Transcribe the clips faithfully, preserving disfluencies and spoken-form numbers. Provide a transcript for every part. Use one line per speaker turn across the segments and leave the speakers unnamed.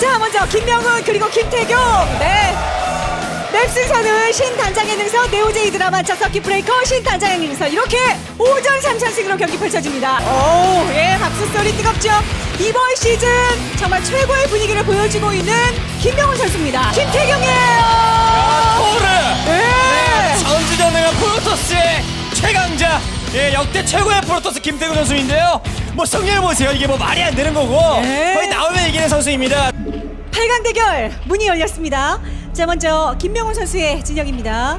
자, 먼저 김명훈 그리고 김태경. 네. 맵 순서는 신단장의 능선, 네오제이 드라마 만차 서킷 브레이커, 신단장의 능선 이렇게 오전 삼 찬승으로 경기 펼쳐집니다. 오, 예, 박수 소리 뜨겁죠. 이번 시즌 정말 최고의 분위기를 보여주고 있는 김명훈 선수입니다. 김태경이에요.
토르!
네.
전주전능한 프로토스의 최강자, 예, 역대 최고의 프로토스 김태균 선수인데요. 뭐 승리를 보세요. 이게 뭐 말이 안 되는 거고
네.
거의 나오면 이기는 선수입니다.
팔 강 대결 문이 열렸습니다. 자, 먼저 김명훈 선수의 진영입니다.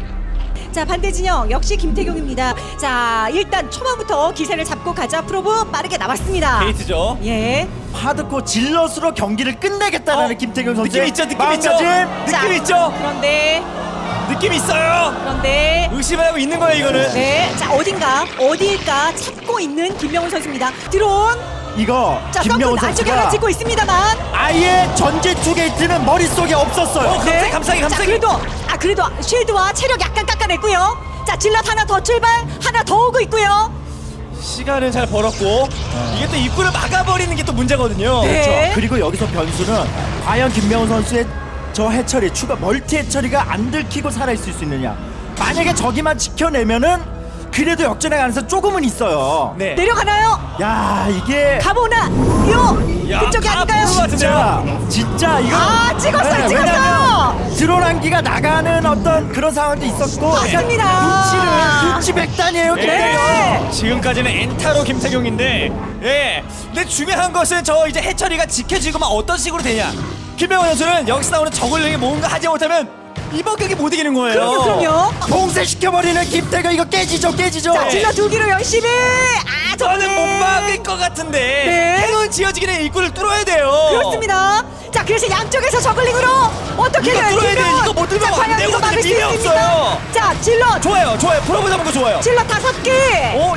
자, 반대 진영 역시 김태경입니다. 자, 일단 초반부터 기세를 잡고 가자. 프로브 빠르게 나왔습니다.
게이트죠.
예.
하드코어 질럿으로 경기를 끝내겠다라는
어,
김태경 선수
느낌 있죠, 느낌 있죠.
마음가짐.
자,
느낌 있죠.
그런데
느낌 있어요.
그런데
의심하고 있는 거예요, 이거는.
네. 자, 어딘가 어디일까 찾고 있는 김명훈 선수입니다. 드론.
이거
자,
김명훈
덩크 안쪽에 하나
선수가
찍고 있습니다만.
아예 전제 투 게이트는 머릿속에 없었어요.
어, 감싸기, 감싸기,
자,
감싸기.
그래도 아 그래도 쉴드와 체력 약간 깎아냈고요. 자, 질럿 하나 더 출발, 하나 더 오고 있고요.
시간을 잘 벌었고 이게 또 입구를 막아버리는 게 또 문제거든요.
네.
그렇죠. 그리고 여기서 변수는 과연 김명훈 선수의 저 해처리 추가 멀티 해처리가 안 들키고 살아있을 수 있느냐. 만약에 저기만 지켜내면은 그래도 역전의 가능성 조금은 있어요.
네.
내려가나요?
야, 이게
가보나 요
야,
그쪽이
다
아닐까요?
보는 것 같은데요.
진짜 진짜 이거
아, 찍었어요, 찍었어요.
왜냐면 드론 한기가 나가는 어떤 그런 상황도 있었고
맞습니다.
눈치를 눈치 백단이에요.
네.
지금까지는 엔타로 김태경인데, 예. 근데 중요한 것은 저 이제 해처리가 지켜지고만 어떤 식으로 되냐. 김명훈 선수는 여기서 나오는 저글링이 뭔가 하지 못하면 이번 경기 못 이기는 거예요.
그럼요, 그럼요.
봉쇄시켜버리는 김태경 이거 깨지죠 깨지죠.
자, 질러 두 기로 열심히. 아,
저는 못 막을 것 같은데
네.
해운 지어지기는 입구를 뚫어야 돼요.
그렇습니다. 자, 그래서 양쪽에서 저글링으로 어떻게
이거
해요?
뚫어야 돼요.
김명훈.
이거 못 뚫으면
자,
안
과연
되거든요.
이거 막을 수
힘이
있습니까?
없어요.
자, 질러
좋아요, 좋아요. 프로브 잡은 거 좋아요.
질러 다섯 개.
어,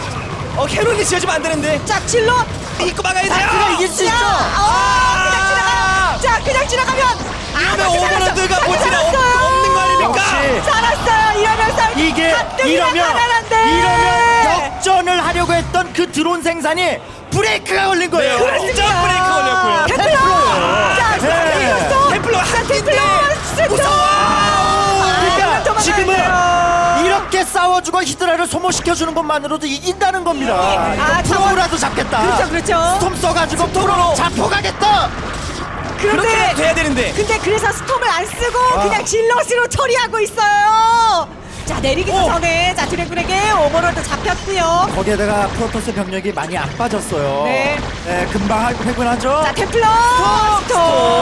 어 캐롤이 지어지면 안 되는데.
자, 질러.
입구 막아야 돼요.
아, 그래, 이길 수
자,
있죠.
어, 그냥 지나가요. 자, 그냥 지나가면.
이러면
다시
오버로드가
살았어.
보지는
다시
없-
살았어요.
없는 거 아닙니까?
역시.
살았어요. 이러면서
이게
가뜩이나
이러면
가난한데.
이러면 역전을 하려고 했던 그 드론 생산이 브레이크가 걸린 거예요.
네, 완전 브레이크 걸렸고요.
템플러. 자,
네.
이겼어.
템플러
자,
한
템플러. 스톱.
무서워.
아,
그러니까 지금은
도망가야 돼요.
이렇게 싸워주고 히드라를 소모시켜주는 것만으로도 이긴다는 겁니다.
아,
이거 프로라도 잡겠다.
그렇죠, 그렇죠.
스톰 써가지고 프로 잡혀가겠다.
그렇게
그런데
돼야 되는데.
근데 그래서 스톰을 안 쓰고
아.
그냥 질럿으로 처리하고 있어요. 자, 내리기
오.
전에 자, 드래곤에게 오버로드 잡혔고요.
거기에다가 프로토스 병력이 많이 안 빠졌어요.
네.
네, 금방 할- 회군하죠.
자, 템플러 스톰.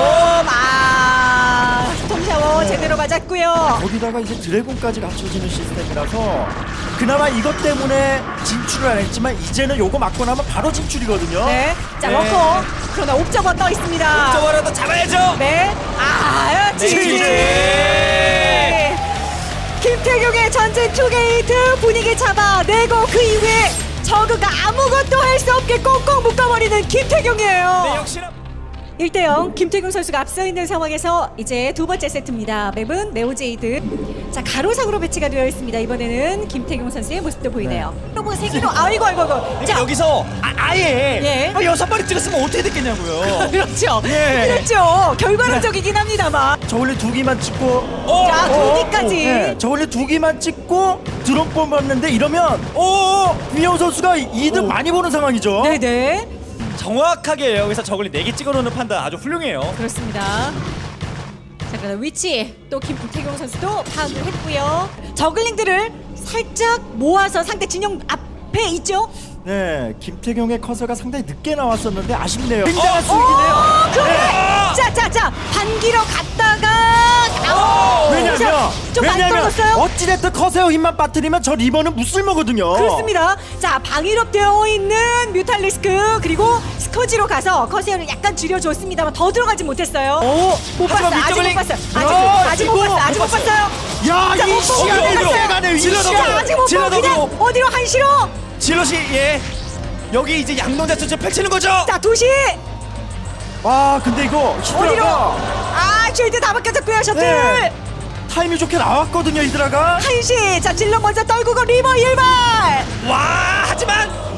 아, 스톰 샤워 제대로 맞았고요.
거기다가 이제 드래곤까지 갖춰지는 시스템이라서 그나마 이것 때문에 진출을 안 했지만 이제는 요거 맞고 나면 바로 진출이거든요.
네. 자,
네.
워커. 그러나 옵저버 떠 있습니다.
저거라도 잡아야죠.
네. 아, 지지.
지지.
김태경의 전진 투게이트 분위기 잡아내고 그 이후에 저그가 아무것도 할 수 없게 꽁꽁 묶어버리는 김태경이에요.
네, 역시나
일 대 영 김태경 선수가 앞서 있는 상황에서 이제 두 번째 세트입니다. 맵은 네오제이드. 자, 가로상으로 배치가 되어 있습니다. 이번에는 김태경 선수의 모습도 보이네요. 여러분 세기로 아이고 아이고 아이고.
그러니까
자,
여기서 아, 아예
예.
아, 여섯 마리 찍었으면 어떻게 됐겠냐고요.
그렇죠.
예.
그렇죠. 결과론적이긴 합니다만.
저 원래 두 기만 찍고
어,
자,
어,
두 기까지.
네, 저 원래 두 기만 찍고 드론 뽑았는데 이러면
오,
김영우 선수가 이득
오.
많이 보는 상황이죠.
네네.
정확하게 여기서 저걸 네 개 찍어놓는 판단 아주 훌륭해요.
그렇습니다. 자, 그다음 위치 또 김태경 선수도 파악을 했고요. 저글링들을 살짝 모아서 상대 진영 앞에 있죠.
네, 김태경의 커서가 상당히 늦게 나왔었는데 아쉽네요. 굉장한
어,
수익이네요.
오, 그래.
네.
자, 자, 자, 반기로 갔다가
오.
왜냐면
좀 많이
왜냐면
떨어졌어요.
어찌됐든 커세어 힘만 빠뜨리면 저 리버는 무쓸모거든요.
그렇습니다. 자, 방위롭 되어 있는 뮤탈리스크 그리고 스커지로 가서 커세어를 약간 줄여줬습니다만 더 들어가지 못했어요.
오,
못 봤어.
하지만
아직 못
밑저글링.
봤어요. 아직
야,
아직 못
이거
봤어요. 아직 못
못 봤어요.
봤어요.
야,
자,
이
못 보고
시간을
그냥 갔어요.
빼가네. 이
질러
시간.
넣어.
아직 못
질러
보고 그냥
넣고.
어디로 한시로.
질럿이 예 여기 이제 양동자 전체 펼치는 거죠.
자, 도시
와, 근데 이거
어디로?
히드라가
아, 쉴드 다 벗겨졌고요. 셔틀
네. 타이밍 좋게 나왔거든요, 히드라가.
한시. 자, 질러 먼저 떨구고 리버 일발.
와 하지만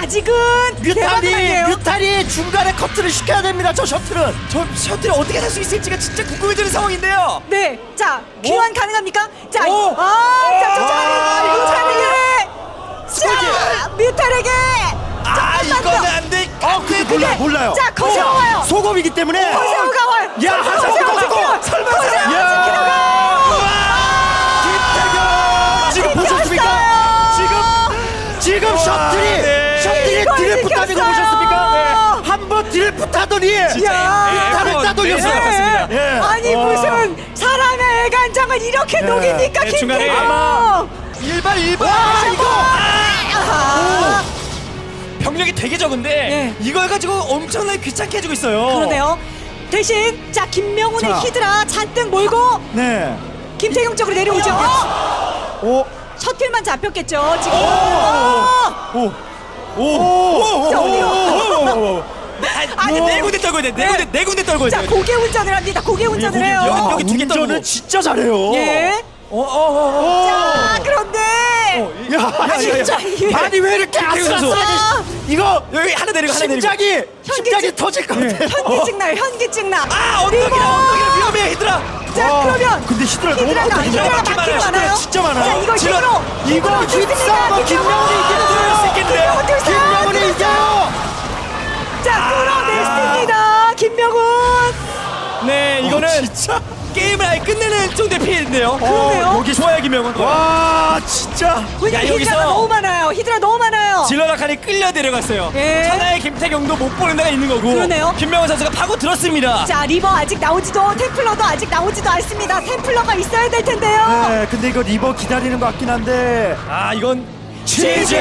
아직은 대박은
뮤탈이
아니에요.
뮤탈이 중간에 커트를 시켜야 됩니다. 저 셔틀은.
저 셔틀이 어떻게 살 수 있을지가 진짜 궁금해지는 상황인데요.
네, 자 귀환 가능합니까? 자,
오!
아, 자, 자, 자,
아,
이거
이거
차는게, 자, 뮤탈에게.
아
조금만
이거는
더.
안돼.
어, 근데 몰라
그게-
몰라요.
자, 커세어
어,
와요.
소금이기 때문에.
커세어가 와요.
야,
커세어
하자,
지키러.
하자.
설마,
설마.
김태경 지금 보셨습니까? 지금 지금 셔틀이
네.
셔틀이
이걸
드래프 따는 거
지켰어요.
보셨습니까? 한 번 드래프 따더니
진짜
야.
뮤탈을
네,
따돌렸어요.
네, 맞습니다.
예.
아니
와.
무슨 사람의 애간장을 이렇게 녹입니까,
네, 중간에
김태경?
아마
일반 일반.
와, 이거
아하.
병력이 되게 적은데
네.
이걸 가지고 엄청나게 귀찮게 해주고 있어요.
그러네요. 대신 자 김명훈의
자.
히드라 잔뜩 몰고
네.
김태경 쪽으로 내려오죠. 어?
오.
셔틀만 잡혔겠죠 지금. 어.
오. 오.
자, 어디로?
오.
아니
뭐.
네 군데 떨고 있네. 네 군데 네 군데 떨고
자
있네.
고개 운전을 합니다. 고개 운전을
고개
해요.
운전.
야,
여기 두개
운전을
떨고.
진짜 잘해요.
예.
어, 어, 어, 어.
자 그런데
야,
야,
진짜
야, 야.
아니 왜 이렇게
김태경 선수.
아슬아슬하게 이거
여기 하나 내리고 하나 내리고.
심장이 심장이
현기증.
터질 것 같아.
현기증 나요. 현기증 나.
아 언덕이라 언덕이라 위험해 히드라.
자
와,
그러면
근데 히드라 너무
히드라가
많거든요.
히드라가
많긴
많긴
많아요.
많아요.
진짜 많아요.
자 이거
질러-
힘으로
이거 힘싸움은 김명훈이 이기는
수 있겠는데요?
김명훈이 이겨요.
자 끌어냈습니다. 김명훈.
네 이거는
어, 진짜.
게임을 아예 끝내는 정도의 피해인데요.
그러네요.
어, 여기 좋아요 김명훈.
와 진짜.
왜냐면
야,
히드라가
여기서-
너무 많아요. 히드라 너무 많아요.
질러라칸이 끌려 내려갔어요.
예.
천하의 김태경도 못 보는 데가 있는 거고.
그러네요.
김명훈 선수가 파고 들었습니다.
자 리버 아직 나오지도 템플러도 아직 나오지도 않습니다. 템플러가 있어야 될 텐데요.
네, 근데 이거 리버 기다리는 것 같긴 한데.
아 이건
치즈!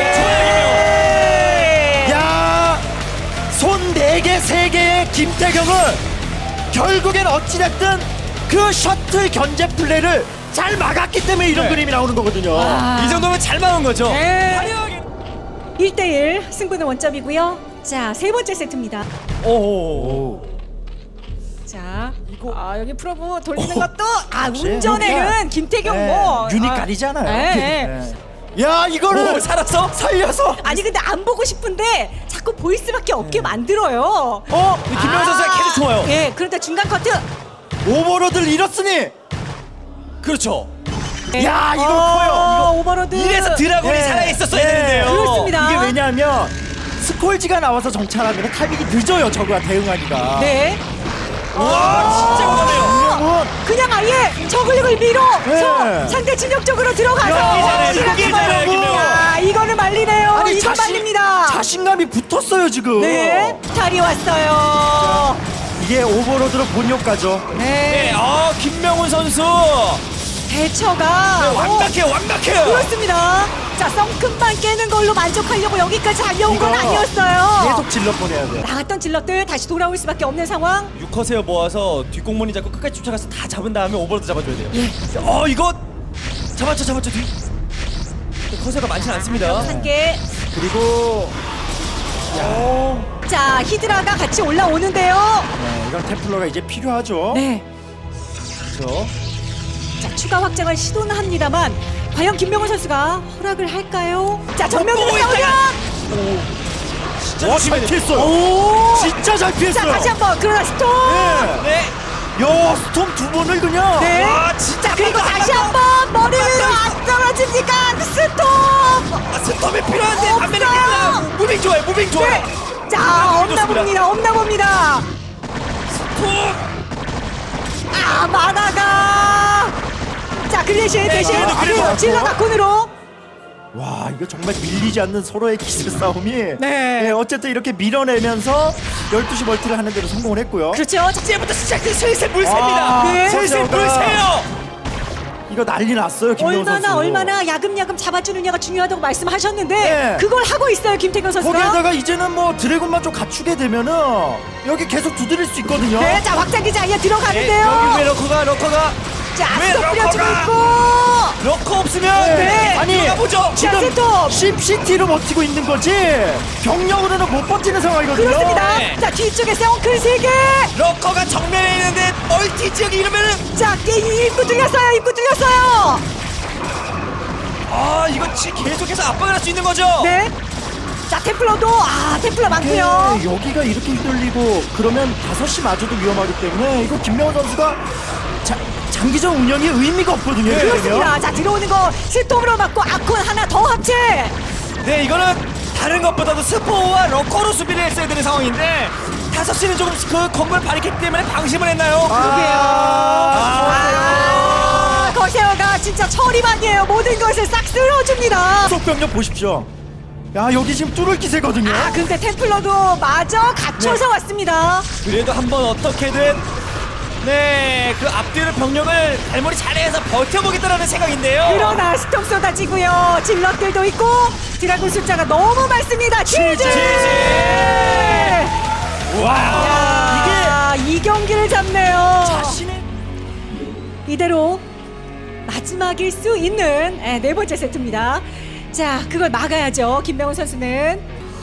네.
야, 손 네 개, 세 개의 김태경은 결국엔 어찌됐든 그 셔틀 견제 플레이를 잘 막았기 때문에 이런
네.
그림이 나오는 거거든요.
아.
이 정도면 잘 막은 거죠.
네.
화려하게.
일 대일 승부는 원점이고요. 자, 세 번째 세트입니다.
오.
오.
자, 이거 아 여기 프로브 돌리는 것도 아
역시
운전에는
그냥,
김태경
네,
뭐
유닛
아,
가리잖아요.
네.
네. 야, 이거를
오 살았어?
살려서.
아니 근데 안 보고 싶은데 자꾸 보일 수밖에 없게 만들어요.
어? 근데 김명훈 선수가 계속 좋아요.
예, 그런데 중간 커트.
오버로드를 잃었으니.
그렇죠.
예.
야, 이거
어,
커요.
오버로드.
이래서 드라곤이
네.
살아있었어야
네.
되는데요.
그렇습니다.
이게 왜냐하면 스콜지가 나와서 정찰하면 타이밍이 늦어요. 저거와 대응하기가.
네.
와 진짜 못하네요.
김명훈.
그냥 아예 저글링을 밀어서
네.
상대 진영 쪽으로 들어가서
야,
이기잖아요,
시간이
이기잖아요,
많아요.
김명훈.
야, 이거는 말리네요.
아니
이거
자신,
말립니다.
자신감이 붙었어요 지금.
네, 탈이 왔어요.
이게 오버로드로 본 효과죠.
네,
네, 어 김명훈 선수
대처가
네,
어,
완벽해요, 완벽해요.
그렇습니다. 자, 썬큼만 깨는 걸로 만족하려고 여기까지 달려온 건
이거
아니었어요.
계속 질러 보내야 돼.
나갔던 질럿들 다시 돌아올 수밖에 없는 상황.
육커세어 모아서 뒷공문이 잡고 끝까지 쫓아가서 다 잡은 다음에 오버로드 잡아줘야 돼요.
예.
어 이거 잡았죠, 잡았죠. 뒤. 커세어가 많지는 않습니다.
한 개.
그리고
자, 히드라가 같이 올라오는데요.
네, 이건 템플러가 이제 필요하죠.
네.
그렇죠.
자, 추가 확장을 시도는 합니다만 과연 김명훈 선수가 허락을 할까요? 자, 정면으로
오,
싸우면
진짜
와, 잘
조심해야 돼요.
피했어요.
오!
진짜 잘
자,
피했어요.
다시 한번 그러나 스톱.
네.
네.
야, 스톰 두 번을 그냥.
네.
와, 진짜
자, 그리고
깜짝
다시 한번 머리 위로 안 떨어집니까? 스톱.
아, 스톱이 필요한데 반면에
없어요.
힘들어. 무빙 좋아요, 무빙 좋아요.
네. 자, 없나
좋습니다.
봅니다. 없나 봅니다.
톱.
아, 마나가. 자, 그 대신 대신
그래도, 그래도.
그리고 질러 다콘으로.
와, 이거 정말 밀리지 않는 서로의 기세 싸움이.
네.
어쨌든 이렇게 밀어내면서 열두 시 멀티를 하는 데로 성공을 했고요.
그렇죠. 자,
이제부터 시작된 슬슬 물새입니다.
아,
네.
슬슬
커세어가.
물새요.
이거 난리 났어요, 김명훈
얼마나
선수.
얼마나 야금야금 잡아주느냐가 중요하다고 말씀하셨는데
네.
그걸 하고 있어요 김태경 선수가.
거기에다가 이제는 뭐 드래곤만 좀 갖추게 되면은 여기 계속 두드릴 수 있거든요.
네, 자 확장기지 아예
네,
들어가는데요.
여기 왜 러커가 러커가
자,
왜
스톱 뿌려주고
러커가?
있고.
러커 없으면
네.
아니,
들어가 보죠.
자, 세톱.
심시티로 버티고 있는 거지 병력으로는 못 버티는 상황이거든요.
그렇습니다.
네.
자, 뒤쪽에 세원클 세 개.
러커가 정면에 있는데 멀티 지역이 이러면은
자, 게임 입구 뚫렸어요. 입구 뚫렸어요.
아 이거 지- 계속해서 압박을 할 수 있는 거죠.
네. 자 템플러도 아 템플러 많고요.
네, 여기가 이렇게 휘둘리고 그러면 다섯 시 마저도 위험하기 때문에 이거 김명훈 선수가 자, 장기적 운영이 의미가 없거든요.
네,
그렇습니다. 자 들어오는 거 스톰으로 맞고 아콘 하나 더 합체.
네, 이거는 다른 것보다도 스포와 러커로 수비를 했어야 되는 상황인데 다섯 시는 조금 그 건물 바리케이트 때문에 방심을 했나요?
아, 거세어가 진짜 처리만이에요. 모든 것을 싹 쓸어줍니다.
속병력 보십시오. 야 여기 지금 뚫을 기세거든요.
아 근데 템플러도 마저 갖춰서 왔습니다.
그래도 한번 어떻게든 네, 그 앞뒤로 병력을 갈무리 잘해서 버텨보겠다라는 생각인데요.
그러나 스톰 쏟아지고요. 질럿들도 있고 드라군 숫자가 너무 많습니다. 치즈!
와,
야, 이 경기를 잡네요.
자신의
이대로 마지막일 수 있는 네, 네 번째 세트입니다. 자, 그걸 막아야죠. 김명훈 선수는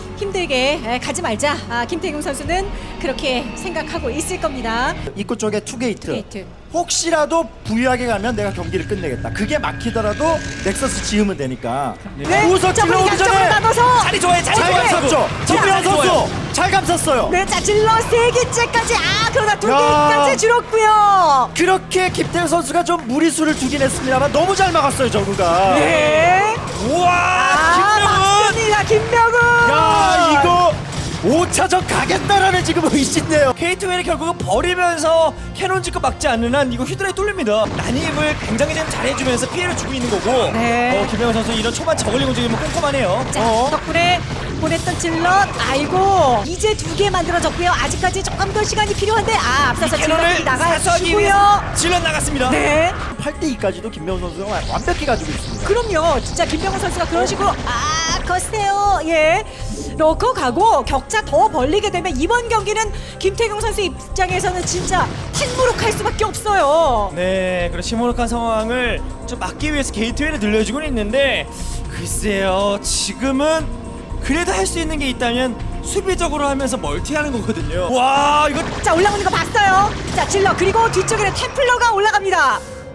힘들게 에, 가지 말자. 아, 김태경 선수는 그렇게 생각하고 있을 겁니다.
입구 쪽에 투게이트.
투게이트.
혹시라도 부유하게 가면 내가 경기를 끝내겠다. 그게 막히더라도 넥서스 지으면 되니까.
네,
우선
점을
찔러오기
양쪽으로
전에
나눠서
자리 좋아요, 자리
잘
좋아요.
감쌌죠. 김명훈
자리 좋아요.
선수 잘 감쌌어요.
네, 자 질러 세 개째까지 아 그러나 두
야.
개까지 줄었고요.
그렇게 김태현 선수가 좀 무리수를 두긴 했습니다만 너무 잘 막았어요 저구가.
네.
우와,
아,
김명훈.
맞습니다. 김명훈.
야 이거 오 차전 가겠다라는 지금 의심네요.
케이트웨이를 결국은 버리면서 캐논 짓고 막지 않는 한 이거 휘드라에 뚫립니다. 난입을 굉장히 좀 잘해주면서 피해를 주고 있는 거고.
네.
어, 김명훈 선수 이런 초반 저글링 움직임은 꼼꼼하네요.
자,
어?
덕분에 보냈던 질럿 아이고 이제 두 개 만들어졌고요. 아직까지 조금 더 시간이 필요한데 아 앞서서 질럿이
캐논을 사수하기
나가시고요.
위해서 질럿 나갔습니다.
네.
팔 대 이까지도 김명훈 선수가 완벽히 가지고 있습니다.
그럼요. 진짜 김병훈 선수가 그런 식으로 아 거세요. 예. 넣고 가고 격차 더 벌리게 되면 이번 경기는 김태경 선수 입장에서는 진짜 탕무룩할 수밖에 없어요.
네, 그런 시무룩한 상황을 좀 막기 위해서 게이트웨이를 늘려주고는 있는데 글쎄요, 지금은 그래도 할 수 있는 게 있다면 수비적으로 하면서 멀티하는 거거든요. 와, 이거
자 올라오는 거 봤어요. 자 질러 그리고 뒤쪽에는 템플러가 올라갑니다.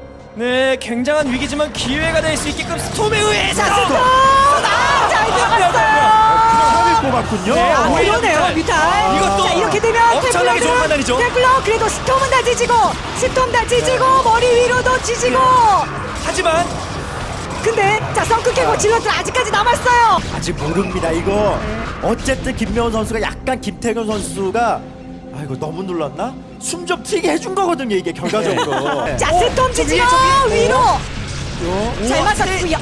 네, 굉장한 위기지만 기회가 될 수 있게끔 스톰에 의해서
자 스톱! 아잘 들어갔어요.
팔을 뽑았군요.
네,
아
오히려
그러네요
뮤탈.
뮤탈.
이것도
자 이렇게 되면
엄청나게 좋은 판단이죠.
템플러 그래도 스톰은 다 지지고 스톰 다 지지고 머리 위로도 지지고
하지만
근데 자 성크 캐고 질럿들 아직까지 남았어요.
아직 모릅니다. 이거 어쨌든 김명훈 선수가 약간 김태균 선수가 아이고 너무 눌렀나? 숨 좀 튀게 해준 거거든요. 이게 결과적으로. 네.
자 스톰
저
지지요
위에, 저 위에.
위로
요.
잘 맞았고요.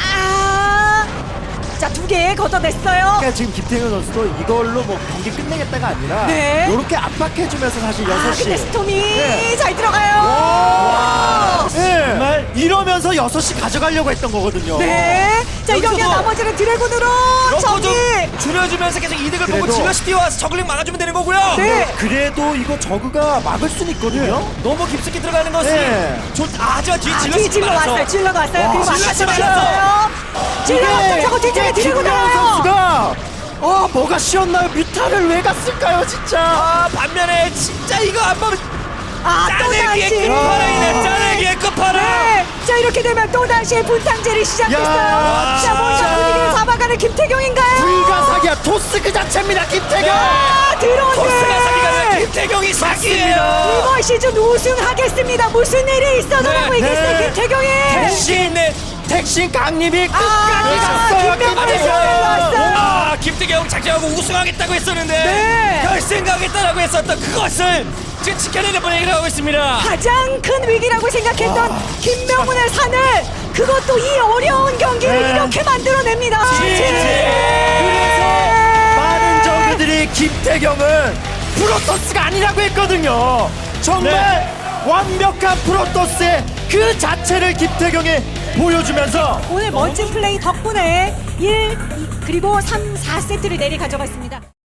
아, 자 두 개 걷어냈어요.
그러니까 지금 김태균 선수도 이걸로 뭐 경기 끝내겠다가 아니라
네.
이렇게 압박해주면서 사실
아
여섯 시.
근데 스톰이
네.
잘 들어가요.
네.
정말
이러면서 여섯 시 가져가려고 했던 거거든요.
네. 자
여기서도
이경기 나머지는 드래곤으로
러커
정리.
좀 줄여주면서 계속 이득을 보고
그래도-
질럿이 뛰어와서 저글링 막아주면 되는 거고요.
네.
그래도 이거 저그가 막을 수는 있거든요.
너무 깊숙이 들어가는 것이
네.
좋. 아, 하지만 뒤에
아,
질럿이
뒤 질러
많아서.
왔어요. 질러가 왔어요.
와,
그리고
질럿이
아까
많았어.
들어갔어요. 질러 왔어요. 저거 뒤쪽에
이게
드래곤
김명훈
나와요.
선수가 아 뭐가 쉬었나요? 뮤타를 왜 갔을까요, 진짜?
아, 반면에 진짜 이거 안 보면
아또
짜내기의
다시.
끝판왕이네. 짜내기의 끝판왕.
네. 자 이렇게 되면 또 다시 분탕질이 시작됐어요.
야,
자 뭔가
진짜.
분위기를 잡아가는 김태경인가요?
불가사기야. 토스 그 자체입니다, 김태경.
아 들어오네.
토스가 사기가 김태경이 사기예요.
이번 시즌 우승하겠습니다. 무슨 일이 있어도라고
네,
얘기했어요.
네.
김태경이.
택신 택신 강림이 끝까지
아,
갔어요.
김명훈이
김태경.
올라왔어요.
아, 김태경 작정하고 우승하겠다고 했었는데
네.
결승가겠다라고 했었던 그것을 지금 지켜내는 분위기를 하고 있습니다.
가장 큰 위기라고 생각했던 김명훈의 산을 그것도 이 어려운 경기를
네.
이렇게 만들어냅니다.
그래서 많은 저그들이 김태경은 프로토스가 아니라고 했거든요. 정말
네.
완벽한 프로토스의 그 자체를 김태경이 보여주면서
오늘 멋진 플레이 덕분에 일, 이, 그리고 삼, 사 세트를 내리 가져갔습니다.